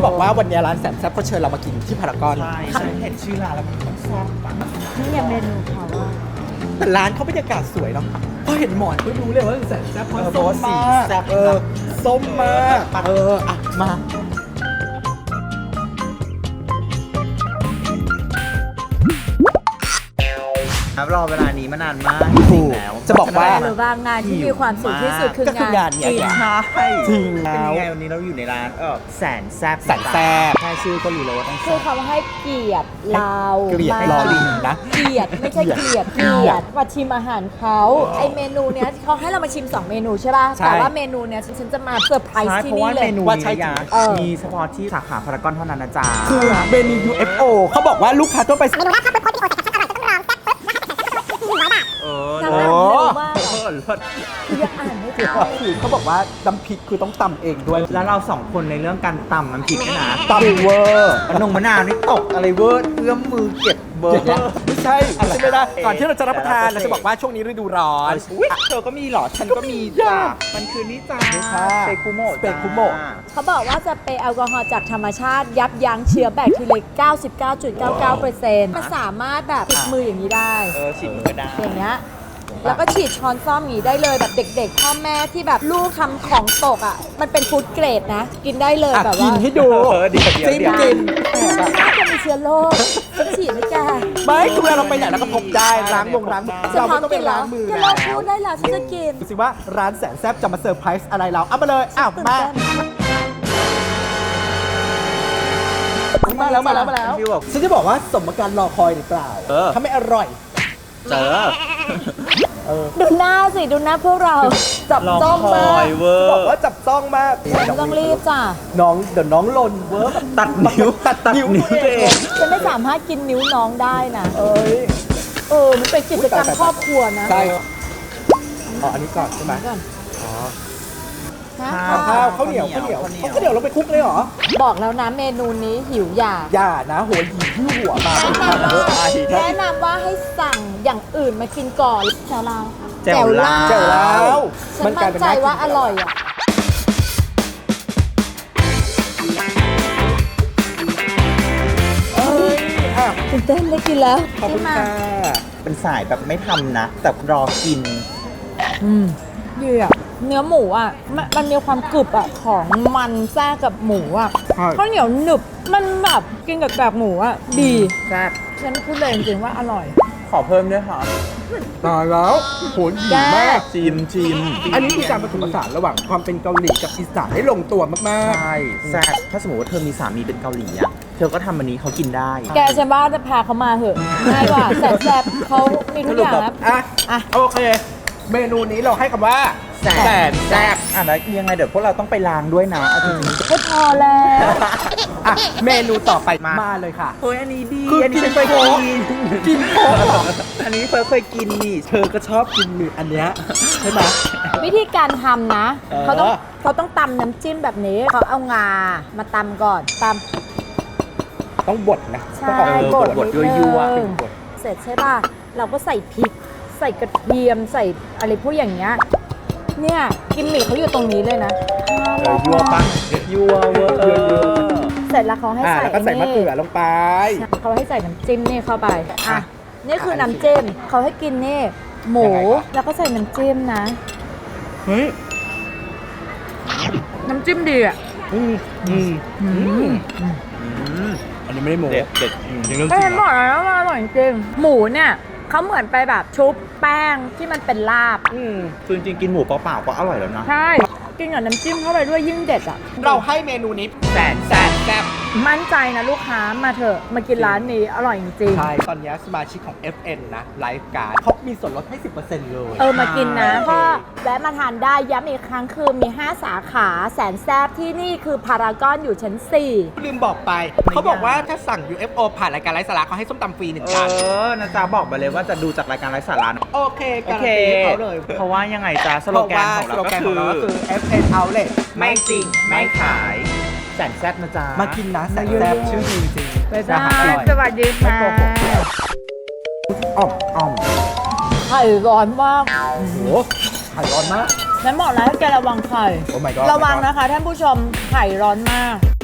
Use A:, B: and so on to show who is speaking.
A: บอกว่าวันนี้ร้านแสนแซ่บเขาเชิญเรามากินที่พารากอน
B: ใช่ฉันเห็นชื่อร้านแล้วมันต้องชอบปะ
C: นี่ยังเมนูเขาว่า
A: แต่ร้านเขาบรรยากาศสวยเนาะพอเห็นหมอนก็รู้เลยว่าแสนแซ่บเพราะ
B: เพ
A: ส้
B: ราะ
A: ม
B: ว่าสี
A: มาก
B: แซ่บ
A: ส้มมากอ่ะมา
B: ครับรอเวลานี้มานานมากจริงๆแล้ว
A: จะบอกว่า
C: หรือว่างานที่มีความสุขที่สุดคือ
A: ก็คืองาง
C: าน น
A: เนี่ย
C: กิน
B: ใช่
A: จริง
B: เป็น
A: แล้ว
B: ยังไงวันนี้เราอยู่ในร้านแสนแซ่บ
A: แสนแซ่บ
B: แค่ชื่อก็รู้แล้วว่าต้อง
C: คื
B: แซ่
C: อบ เขาให้เกียรติเรา
A: เกลียด
C: มาก
A: รอลิงนะ
C: เกียรติไม่ใช่เกลียดเกียรติมาชิมอาหารเขาไอเมนูเนี้ยเขาให้เรามาชิม 2 เมนูใช่ป่ะ
A: ใช่
C: แต่ว่าเมนูเนี้ยฉันจะมาเซอร์ไพร
B: ใช่
C: ส์ที่
B: เพราะ
C: นี่
B: ว่า
C: เล
B: เม
C: ย
B: นู
A: ว่า
B: นี้
A: ใช่
B: นะยา
C: เออ
B: มีเฉพาะที่สาขาพารากอนเท่านั้นนะจ๊ะ
A: คือเมนู UFO เขาบอกว่าลูกค้าทั่วไป
C: นาง
A: โอ้
C: อ่านเร็วมาก
B: เออเลิศ
C: คือยังอ่านไม่ทัน
A: คือเขาบอกว่าน้ำพริกคือต้องตำเองด้วย
B: แล้วเราสองคนในเรื่องการตำน้ำพริกเนี่ยนะ
A: ตำเวอร์
B: มะนาวนี่ตกอะไรเวอร์เอื้อมมือเก็บเบอ
A: อย่าง
B: ร์
A: เงี้ยไม่ใช่ใช่ไหมนะก่อนที่เราจะรับประทาน
B: แต่
A: เรา
B: ละ
A: จะบอกว่าช่วงนี้ฤดูร้อน
B: อุ๊ยเธอก็มีเหรอ ฉันก็มีจ้ะมันคือนี่จ้า
A: นี่ค่ะ
B: เปคุโมะ
A: เปคุโมะ
B: จ้า
C: เขาบอกว่าจะเป็นแอลกอฮอล์จากธรรมชาติยับยั้งเชื้อแบคทีเรีย 99.99% มันสามารถแบบติดมืออย่างนี้ได้
B: ฉีดมือก็ได้
C: อย่างเงี้ย แล้วก็ฉีดช้อนซ่อมอย่างนี้ได้เลยแบบเด็กๆพ่อแม่ที่แบบลูกทำของตกอ่ะ มันเป็นฟู้ดเกรดนะ กินได้เลย
A: อ่ะ
C: แบบ
A: กิ
C: ว่าน
A: ให้ดู
B: เดี๋ยว
A: จิ้มกิน
C: น่าจะมีเชื้อโรคฉันฉีดให้แก
A: ไม่คือเวลาเราไปไหนเราก็พกได้ล้างล้าง
C: จะ
A: เรา
C: พร้
A: ไม่
C: อม
A: ต้องไป
C: กินเหร
A: ล้า
C: อง
A: มือ
C: จะ
A: แล้
C: ล
A: ว
C: องพูดได้เหรอฉันจะกิน
A: ดูสิว่าร้านแสนแซ่บจะมาเซอร์ไพรส์อะไรเราเอามาเลยอ้าว
C: ตื่น
A: มา
C: เต้น
A: มาแล้ว
B: พี่บอก
A: ฉันจะบอกว่าสมการรอคอยหรือเปล่า
B: เออ
A: ถ้าไม่อร่อย
B: เจอ
C: ดูหน้าสิดูหน้าพวกเราจับจ้องมาก
B: เวอ
A: บอก
B: ร์
A: ว่าจับต้องมาก
C: ฉันต้องรีบจ้ะ
A: น้องเดี๋ยวน้องลนเวิร์ก
B: ตัดนิ้ว
A: ตัดนิ้ว
B: ตัวเอง
C: ฉันไม่สามารถกินนิ้วน้องได้นะ
A: เอ้ย
C: มันเป็นกิจกรรมครอบครัวนะ
A: ใช่อ๋ออันนี้ก่อนใช่ไหม
C: ก่อน
A: อ๋อ
C: นะ
A: ข้าวเหนียวเราไปคลุกเลยเหรอ
C: บอกแล้วนะเมนูนี้หิวอยาก
A: อย่านะหัวหินที่หัวมา
C: แนะนำว่าให้สั่งอย่างอื่นมากินก่อนแจ่วลาว
B: แจ่วลาว
A: เจ๋วแล้ว
C: ฉันมั่นใจว่าอร่อยอ่ะ
A: เอ้ยอ่ะ
C: ตื่นเต้นได้กินแล้ว
A: ขอบคุณค่ะ
B: เป็นสายแบบไม่ทำนะ แต่รอกิน
C: ดีอ่ะเนื้อหมูอ่ะมันมีความกรึบอ่ะของมันแทรกกับหมูอ่ะ
A: ใช่
C: ข้าวเหนียวหนึบมันแบบกินกับแบบหมูอ่ะดี
B: แซ่บ
C: ฉันพูดเลยจริงๆว่าอร่อย
B: ขอเพิ่มด้วยค่ะ
A: ตายแล้วโหหิวมาก
B: ชิม
A: อันนี้คือการผสมผสานระหว่างความเป็นเกาหลีกับอีสานได้ลงตัวมาก
B: ใช่แซ่บถ้าสมมติว่าเธอมีสามีเป็นเกาหลีอ่ะ เธอก็ทำอันนี้เขากินได้
C: แกฉันว่าจะพาเขามาเหอะง่ายกว่าแสนแซ่บเขามีทุกอย่างนะ
A: ๆ อ่ะ
C: อ่ะ
A: โอเค เมนูนี้เราให้คำว่า
B: แสนแซ่บอ่ะแล้วยังไงเดี๋ยวพวกเราต้องไปล้างด้วยนะเอาจริง
C: ไม่พอแล้ว
A: อ่ะ เมนูต่อไปมาเลยค่ะ
B: ๆเฮ้ยอันนี้ดี
A: คือ
B: อันนี้ฉันเคย
A: กิ
B: กิ
A: น
B: น
A: โค้ก
B: อันนี้เฟิร์สเคยกินนี่ เธอก็ชอบกิน
A: มีอันเนี้ยใช่ไหม
C: วิธีการทำนะ
A: เออ
C: เขาต้องตำน้ำจิ้มแบบนี้เขาเอางามาตำก่อนตำ
A: ต้องบดนะ
C: ใช่
A: ต้องออก
C: บด
B: บดยั่วๆ
C: นิดนึงเสร็จใช่ป่ะ เราก็ใส่พริก ใส่กระเทียม ใส่อะไรพวกอย่างเงี้ย เนี่ยกิมมิคเขาอยู่ตรงนี้เลยนะ
B: ยั่วปะยั่วเวอร์
C: เสร็จแล้วเขาให้
A: อ่ะ
C: ใส่
A: แล้วก็ใส่มะเขือลงไป
C: เขาให้ใส่น้ำจิ้มนี่เข้าไป อ่ะ นี่คือน้ำจิ้มเขาให้กินนี่หมู
A: ยังไงครับ
C: แล้วก็ใส่น้ำจิ้มนะ
A: เฮ้ย
C: น้ำจิ้มดีอ่ะ
A: อันนี้ไม่ได้โม้
B: เด็ดเด็ด
A: ยังเรื่องจ
C: ก็
A: ริ
C: เห็
A: ง
C: น
A: เห
C: บ
A: ร
C: อ
A: อก
C: แล้วว่าอร่อยจริงหมูเนี่ยเขาเหมือนไปแบบชุบแป้งที่มันเป็นลาบ
B: คือจริงๆกินหมูเปล่าๆก็อร่อยแล้วนะ
C: ใช่ กินกับน้ำจิ้มเข้าไปด้วยยิ่งเด็ดอ่ะ
A: เราให้เมนูนี้แสนแซ่บ
C: มั่นใจนะลูกค้ามาเถอะมากินร้านนี้อร่อยจริง
A: ใช่ ตอนนี้สมาชิกของ FN นะไลฟ์การ์ดเขามีส่วนลดให้ 10% เลย
C: มากินนะก็แวะมาทานได้ย้ำอีกครั้งคือมี 5 สาขาแสนแซบที่นี่คือพารากอนอยู่ชั้น
A: ลืมบอกไป เขาบอกว่าถ้าสั่ง UFO ผ่านรายการไลฟ์สาระเขาให้ส้มตำฟรีหนึ่งจาน
B: นะจ๊ะบอกไปเลยว่าจะดูจากรายการไร้สาระนะ
A: โอเค
B: โอ
A: การัน
B: เค
A: ตีให้เขาเลย
B: เพราะว่ายังไงจ๊ะสโลแกนของ
A: สโล
B: เรา
A: แก
B: ก็
A: นข
B: คือ
A: องเราก็คือ FN Outlet
B: ไม่จริงไม่ขายแสนแซ่บนะจ๊ะ
A: มากินนะแสนแซ่บชื่อดีจริง
C: ๆไปจ้า
A: อร่อย
C: สวัสดีค่ะ
A: อ่อม
C: ไข่ร้อนมาก
A: โอ้โหไข่ร้อนมาก
C: นั้นบอกแล้วให้แกระวังไข่
A: โอ้ my god
C: ระวังนะคะท่านผู้ชมไข่ร้อนมาก